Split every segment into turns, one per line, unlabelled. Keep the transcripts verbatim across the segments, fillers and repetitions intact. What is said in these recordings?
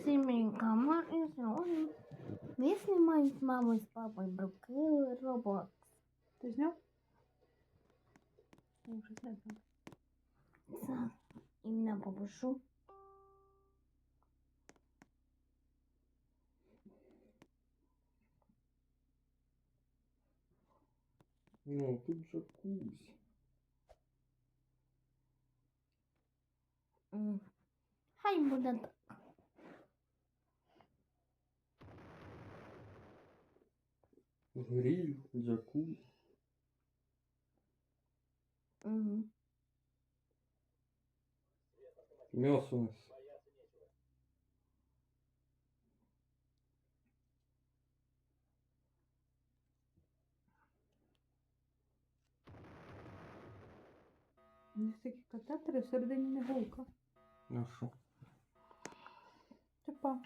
Семейка, мы и сегодня мы снимаем с мамой и с папой Брокколи Roblox.
Ты снял? Я уже снять надо.
Сейчас именно попрошу.
Ну, тут джакузи.
М, Хай буде так.
Гриль, джакузи.
Мгм.
Мясо у нас.
У них такі катетери, всередині не голка.
Ну що?
Типа.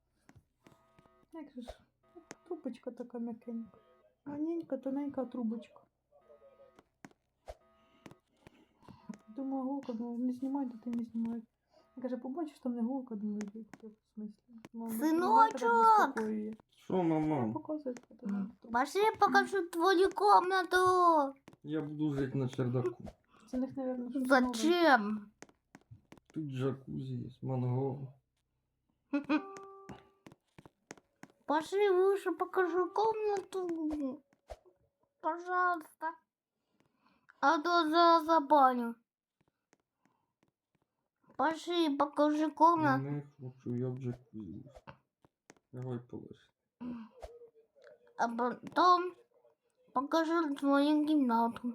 Як же ж? Трубочка така м'якенька. Маленька, тоненька трубочка. Думаю, голка, ну не знімай, то ти не знімай. Я каже, побачиш, там не голка, думаю, як в смислі. Мама,
Синочок!
заспокоює.
Що,
Я
мама?
показую фото.
Пошли, я покажу твою комнату.
Я буду жити на чердаку.
Це в них, мабуть, щось нове.
Зачем?
Тут джакузи є, мангал.
Пошли выше, покажу комнату. Пожалуйста. А то за забаню. Пошли, покажи комнату.
Не хочу, я в джакузи. Давай полежи.
А потом покажу твою комнату.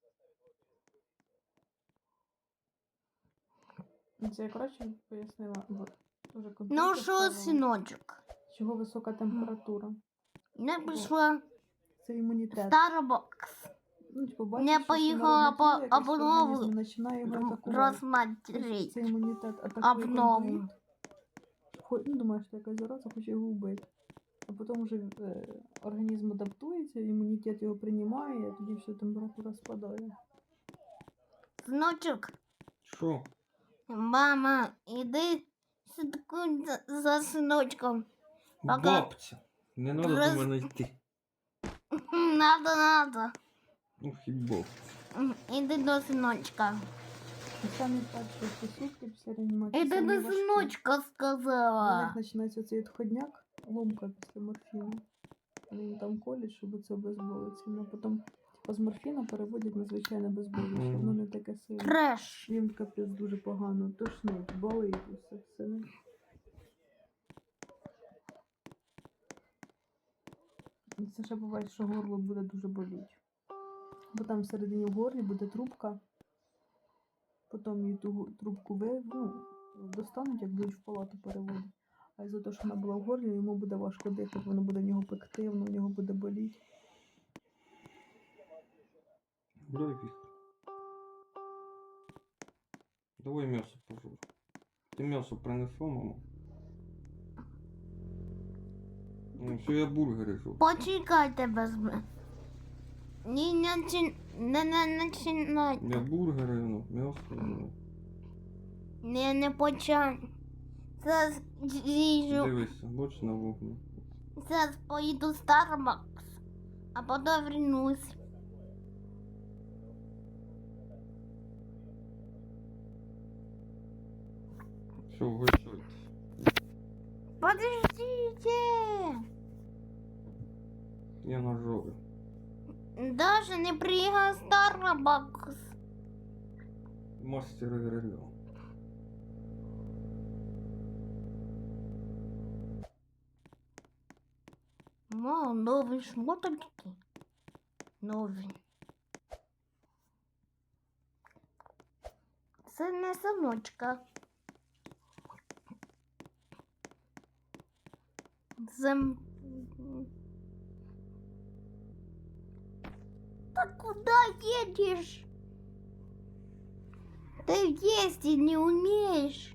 Це я коротше пояснила. Вот. Уже
Ну
комп'ютер
что,
ставила.
сыночек,
Чого висока температура?
я пришла
Це
в
імунітет.
Starbucks.
Ну, типу,
Не
бачиш,
поїхала по обнову
обнову починає його атакувати.
рассмотреть.
Це імунітет атакує
Обнову.
контуїт. Хо- Ну, думаєш, що якась зараза хоче його вбити. А потім вже е, організм адаптується, імунітет його приймає, і тоді все, температура спадає.
Сыночек,
Що?
мама, иди слідкуй за, за сыночком. Пока.
Бабця. Не треба
Роз-
до мене йти.
Надо, надо.
Ну, хіба.
Иди до сыночка.
І самі перші ці сутки після реанімації
Иди
самі
до
важкі.
сыночка,
У них
сказала.
починається цей відходняк, ломка після морфіну. Вони їм там колять, щоб це обезболиться. Ну, а потім типу, з морфіна переводять на звичайне безболіще. Воно не таке сильне.
Треш.
Їм капець дуже погано, тошнить, болить усе все. І це ще буває, що горло буде дуже боліти. Бо там всередині в горлі буде трубка. Потім її ту трубку ви, ну, достануть, як будуть в палату переводити. А із-за того, що вона була в горлі, йому буде важко дихати, воно буде в нього пекти, воно в нього буде боліти.
Дай віхр. Давай м'ясо пожур. Ти м'ясо принесла, мама? Ну, все, я бургери жую.
Почекайте без мене. Не начи... не, не начинай.
Я бургери, ну, м'ясо. Ну.
Не, не почай. Зараз їжу.
Дивися, боч на вогні.
Зараз поїду в Starbucks, а потім вернусь.
Все, вгощайте.
Подождите.
Я нажовий.
Даже не приїхав Starbucks.
Мастер гриля.
Мам, нові шмоточки. Нові. Це не синочка. Це... Та куда едешь? Ты ездить не умеешь.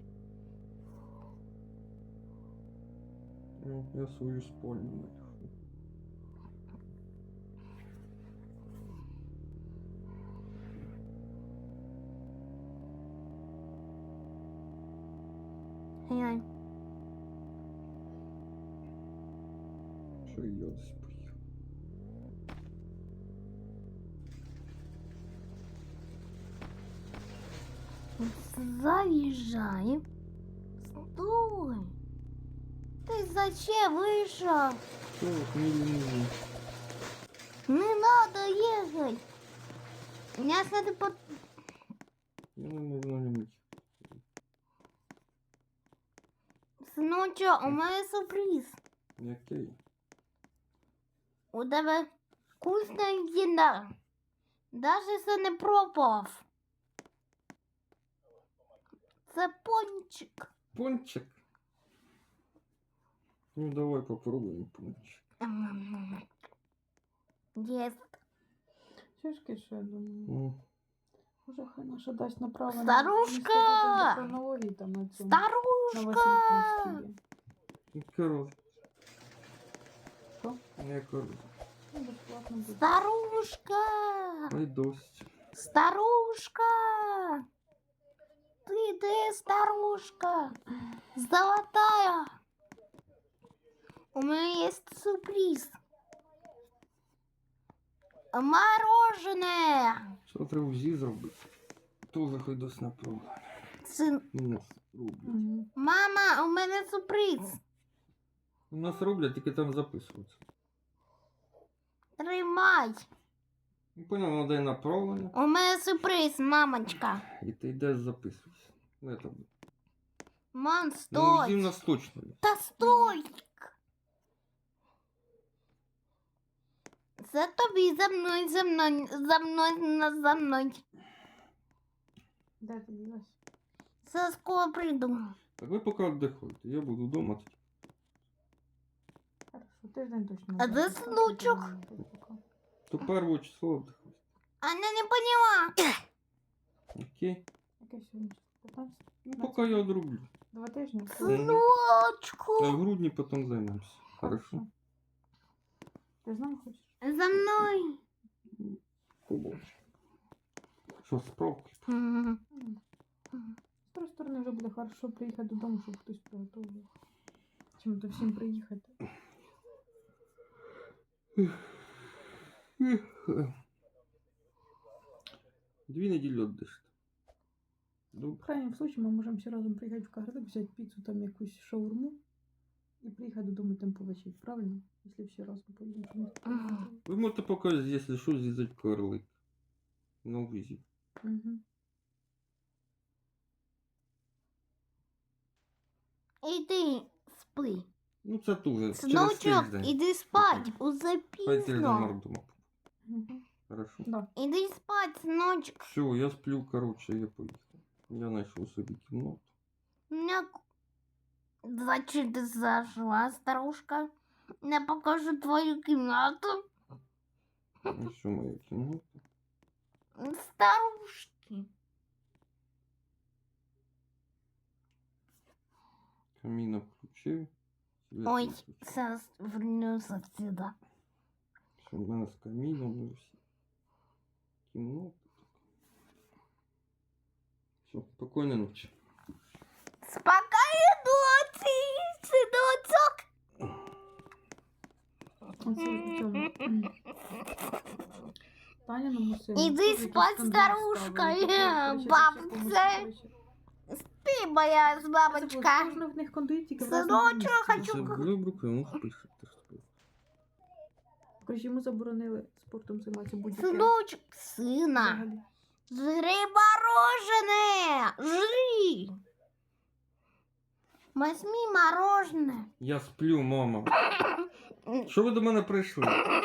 Ну, я свою спальню знайшов.
Глянь.
Що і я десь поїхав.
Заезжай. Стой. Ты зачем вышел?
Що, не лінивий.
Не надо ехать. Меня надо под...
Я не можу на ньому їхати.
Сыночок, у меня сюрприз.
Який?
У тебе вкусна їда. Даже це не пробував. Це пончик.
Пончик? Ну давай попробуємо пончик.
Єсть.
Чешки ще, я думаю.
Ну,
Може, хай наша дасть направо.
Старушка!
Хронології там на цьому.
Старушка!
яка роза?
Що?
Яка роза?
Ну, безплатно буде.
Старушка!
Ай досить.
Старушка! Ты где, старушка? Золотая! У меня есть сюрприз. Мороженое!
Що треба ВЗІ зробити? То захай досить направо.
Сын,
У нас роблять.
Мгм.
мама, у меня сюрприз.
У нас роблять, тільки там записується.
Тримай.
Ну, понял, надо і направлення.
У меня сюрприз, мамочка.
І ти йдеш записуєшся. Ну, это...
Мам,
Ну, ВЗІ
стой.
у нас точно є.
Да стой. За тобой, за мной, за мной, за мной, на- за мной.
Де ти ділась?
За скоро приду.
Так ви поки віддихайте, я буду вдома. тоді.
Хорошо, тиждень точно.
А де
буде.
снучок?
Пока.
То першого числа віддихайте.
Она не поняла.
Окей?
Яке сьогодні? п'ятнадцяте?
Ну, поки я одроблю.
Два тижні?
А
Сыночку.
в грудні потім займемося. Хорошо?
Ти з нами хочеш?
За мной.
Побачимо. Що, справки?
М.
М. З тої сторони вже буде хорошо приїхати додому, щоб хтось приготував. Чим то всім приїхати.
Дві неділі віддиште.
В
Добре.
крайнем случае мы можем все разом приїхати в Кагарлик, взяти піцу, там якусь шаурму і приїхати додому там повечерять, правильно? Якщо всі разом поїдемо, щоб ніхто не
Ага.
хотів.
Ви можете показати, якщо що, з'їздити карлик. На визі.
Мгм.
Иди спи.
Ну це теж. Через
Сыночок,
тиждень.
иди спать. Уже
Хай тиждень
пізно.
мордома.
Мгм.
Хорошо.
Да.
Иди спать, сыночек.
Все, я сплю, короче, я поїхав. Я знайшов собі кімнату.
У меня... Зачем ты зашла, старушка? Я покажу твою комнату.
Ось що моя кімната.
Старушки.
Камін включив. світ
Ой,
виключив.
сейчас вернусь отсюда.
Все, в мене з каміном і всі. Кімната. Все, спокійної ночі.
Спокойной ночи, сыночек.
Оце в цьому. М. Таняному сину.
Іди
теж якийсь
спать,
скандал
старушка,
ставили.
е,
Короче,
бабця.
це все помогли, короче.
Ты моя
Це було
бабочка.
кожна в них кондиті, в
Синочок,
разному місці.
хочу
Це добре, ну спиш. ти ж спиш.
Короче, йому заборонили спортом займатися будь-яким.
Сыночек, сына.
Взагалі.
Жри мороженое. Жри. Возьми мороженое.
Я сплю, мама. Що ви до мене прийшли?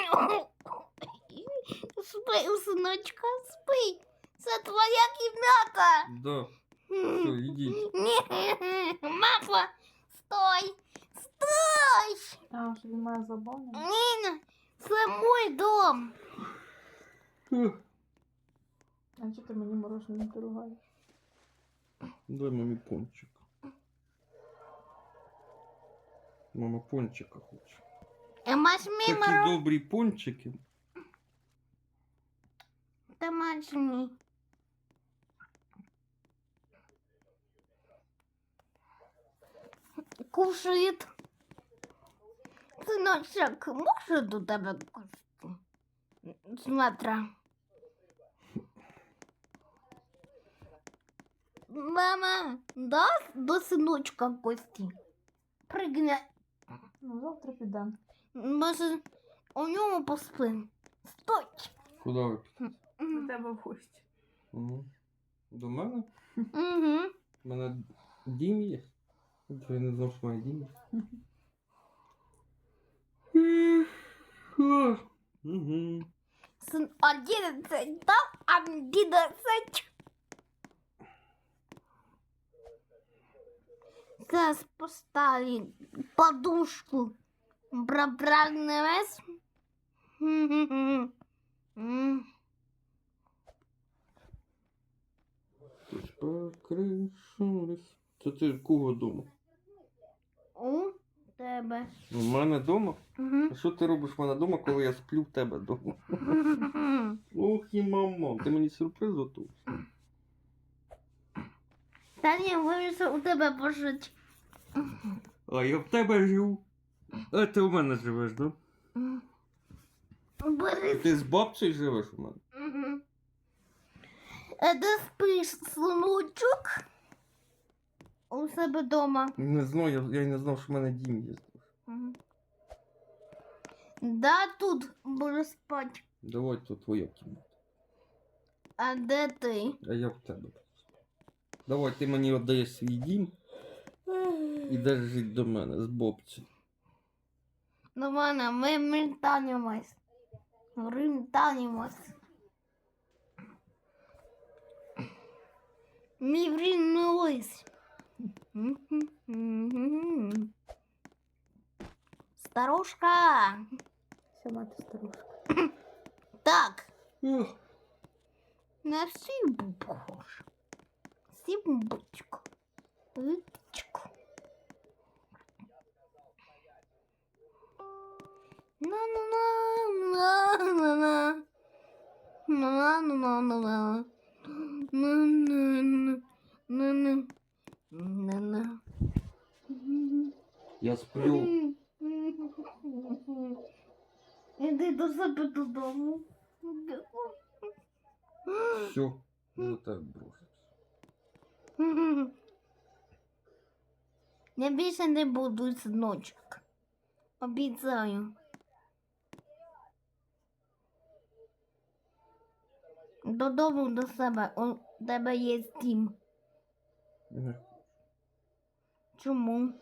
Спи, у сыночка, спи. Это твоя комната.
Да. Все, ідіть.
Не, мама, стой. Стой.
А, що він має забаву?
Нина, это мой дом.
Ех,
А чого ти мені мороженое не предлагаєш?
Дай мамі пончик. Мама пончика хоче.
Возьми
Такі
мороженое.
добрі пончики.
Домашний. Кушает. Синочок, можу до тебе кости? Смотри. Мама, дасть до синочка кості? Пригне.
Ну, завтра підемо.
Може, у ньому поспим. Стой.
Куди ви підете?
До тебе в гості.
Угу. До мене?
Угу.
У мене дім є. Я не знав, що моє дім є. Угу.
Сын одиннадцать там, одиннадцать. Сейчас поставим подушку. Пробрагнемось.
Хтось покришились. Це ти кого дома?
У тебе.
У мене дома?
Угу.
А що ти робиш в мене дома, коли я сплю в тебе дома? Ох і мама, ти мені сюрприз готуєш.
Та ні, вирішив у тебе пожити.
А я в тебе живу. А ти у мене живеш, да?
Бери.
Ти з бабцею живеш у мене?
Угу. А де спиш, синочок? У себе дома.
Не знаю, я, я й не знав, що в мене дім є.
Угу. Да, тут буду спати.
Давай, то твоя кімната.
А де ти?
А я в тебе. Давай, ти мені віддаєш свій дім. Ідеш жити до мене з бабцею.
До мене ми ментанимось. Рентанимось. Ми вринулись. Старушка.
Сама ти старушка.
Так,
Ох,
на всю похож. Симбочку. Випічку. На-на-на-на-на-на. На-на-на-на-на. На-на-на. На-на.
я сплю.
Іди до себе додому.
Все, за тебе брошусь.
Я більше не буду, синочок. Обіцяю. Додому до себе. У тебе є дім.
Не.
Чому?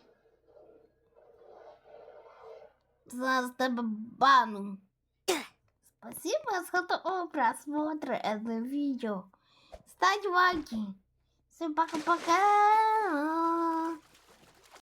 Зараз тебе бану. Спасибо за просмотр этого видео. Ставь лайки. Всем пока-пока.